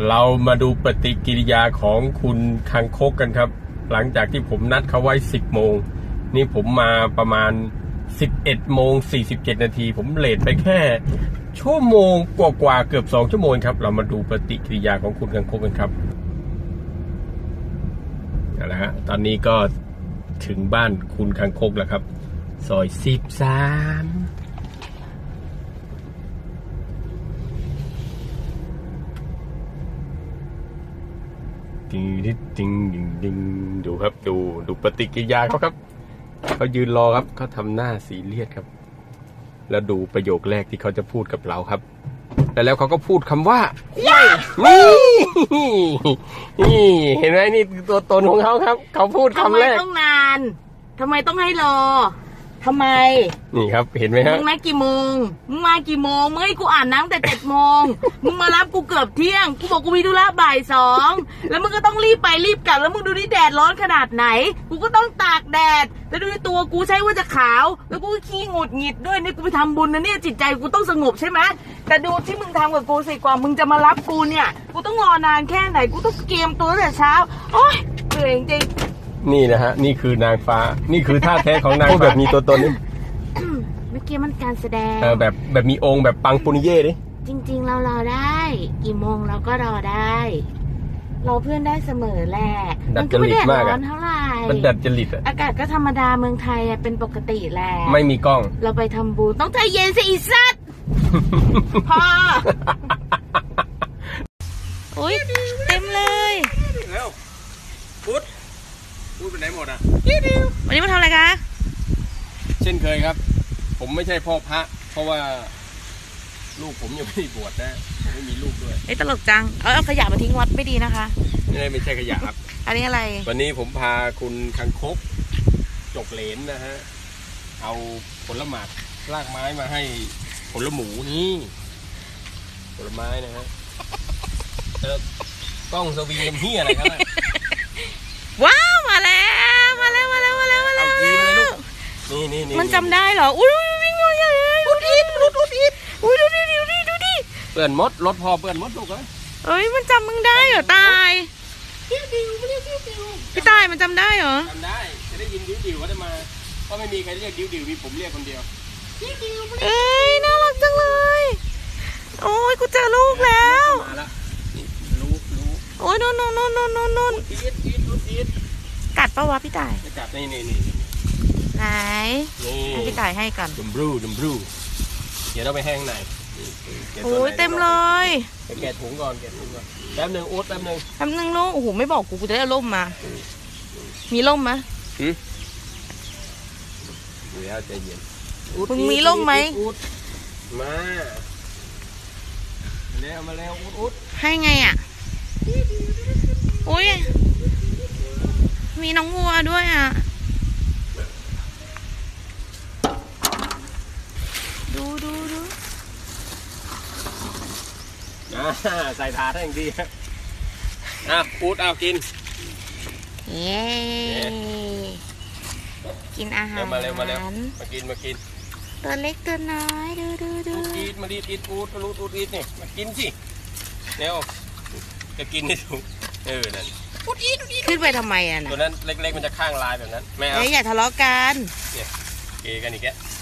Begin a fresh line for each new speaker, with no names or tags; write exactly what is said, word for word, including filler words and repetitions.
เรามาดูปฏิกิริยาของคุณคังคกกันครับหลังจากที่ผมนัดเขาไว้สิบโมงนี่ผมมาประมาณสิบเอ็ดโมงสี่สิบเจ็ดนาทีผมเลทไปแค่ชั่วโมงกว่าๆเกือบสองชั่วโมงครับเรามาดูปฏิกิริยาของคุณคังคกกันครับเอาละฮะตอนนี้ก็ถึงบ้านคุณคังคกแล้วครับซอยสิบสามดิงดิงดิงดิงดิงดูครับดูดูปฏิกิริยาเขาครับเขายืนรอครับเขาทำหน้าซีเรียสครับแล้วดูประโยคแรกที่เขาจะพูดกับเราครับแต่แล้วเขาก็พูดคำว่านี่นี่เห็นไหมนี่ตัวตนของเขาครับเขาพูดคำแรก
ทำไมต้องนานทำไมต้องให้รอทำไม
นี่ครับเห็นไหมฮะ
มึงนัดกี่โมงมึงมากี่โมงมึงให้กูอ่านน้ำแต่เจ็ดโมงมึงมารับกูเกือบเที่ยงกูบอกกูมีธุระบ่ายสองแล้วมึงก็ต้องรีบไปรีบกลับแล้วมึงดูนี่แดดร้อนขนาดไหนกูก็ต้องตากแดดแล้วดูตัวกูใช่ว่าจะขาวแล้วกูขี้หงุดหงิดด้วยนี่กูไปทำบุญนะเนี่ยจิตใจกูต้องสงบใช่ไหมแต่ดูที่มึงทำกับกูสิกว่ามึงจะมารับกูเนี่ยกูต้องรอนานแค่ไหนกูต้องเกมตัวตั้งแต่เช้าโอ๊ยเหนื่อยจริง
นี่นะฮะนี่คือนางฟ้านี่คือท่าแท้ของนางฟ้าแบบมีตัวตนนี่
เมื่อกี้มันการแสดง
เออแบบแบบมีองค์แบบปังปุนิเย่ดิ
จริงๆเรารอได้กี่โมงเราก็รอได้รอเพื่อนได้เสมอแหละ
มันก็ไม่ได้ร้อน
เท่าไหร่
มันดัดจริตอะ
อากาศก็ธรรมดาเมืองไทยเป็นปกติแหละ
ไม่มีกล้อง
เราไปทำบุญต้องใจเย็นสิอีสัตว์พออุ้ยเต็มเลย
แล้วพุทธพูดไปไหนหมดอ่ะ
วันนี้มาทำอะไรคะ
เช่นเคยครับผมไม่ใช่พ่อพระเพราะว่าลูกผมยังไม่ได้บวชนะผมไม่มีลูกด้วย
ไอ้ตลกจังเอาเอาขยะมาทิ้งวัดไม่ดีนะคะ
ไม่ไม่ใช่ขยะครับ
อันนี้อะไร
วันนี้ผมพาคุณคังคกจกเหลนนะฮะเอาผลหมากรากไม้มาให้ผลหมูนี่ผลไม้นะฮะเออกล้องสวิงเฮียอะไรครับ
ว้าวมาแล้วมาแล้วมาแล้วมาแล้วมาแล้ว
นี่นี่นี่
มันจำได้เหรออุ้ยวิ่งมาใหญ่เลยอุดอิดอุดอุดอิดอุ้ยดูดิดูดิดูดิ
เปื่อนมดรถพอเปื่อนมดถูกไหม
เอ้ยมันจำมึงได้เหรอตายพี่ตายมันจำได้เหรอ
จำได้จะได้ยินดิวดิวเขาจะมาก็ไม่มีใครเรียกดิวดิวมีผมเรียกคนเดียว
เอ้ยน่ารักจังเลยโอ้ยกูเจอลูกแล้ว
มาแล้วลูกลูก
โอ้ยโน่นโน่นโน่นโน่นโน่นโน่นกัดปะวะพี่ตาย
กัดนี่นี่นี่
ไหนให้พี่ตายให้กัน
ดัมบลูดัมบลูเดี๋ยวเราไปแห้งไหน
โอ้ยเต็มเลย
ไปแกะถุงก่อนแกะถุงก่อนแป๊บหนึ่งอุ๊ดแป๊บหนึ่ง
แป๊บหนึ่งลูกโอ้โหไม่บอกกูกูจะได้ร่มมามีร่มไหม
อืมเดี๋ยวใจเย็น
มึงมีร่มไหม
มาแล้วมาแล้วอุ๊ดอุ๊ด
ให้ไงอ่ะอุ้ยมีน้องวัวด้วยอ่ะดูดูดู
ใส่ถาดให้อย่างดีอ่ะอุ๊ดเอากิน
เย้กินอาหาร
มาเร็วมาเร็วมากินมากิน
ตัวเล็กตัวน้อยดูดูดู
อีทมาดีอีทอูดมาลูดอูดอีทนี่มากินสิเร็วจะกินให้ถูกเออนั่น
อูดอีทขึ้นไปทำไมอ่ะ
ตัวนั้นเล็กๆมันจะข้างลายแบบนั้นไม่เอา
อย่าทะเลาะกัน
เนี่ยเกกันอีกแก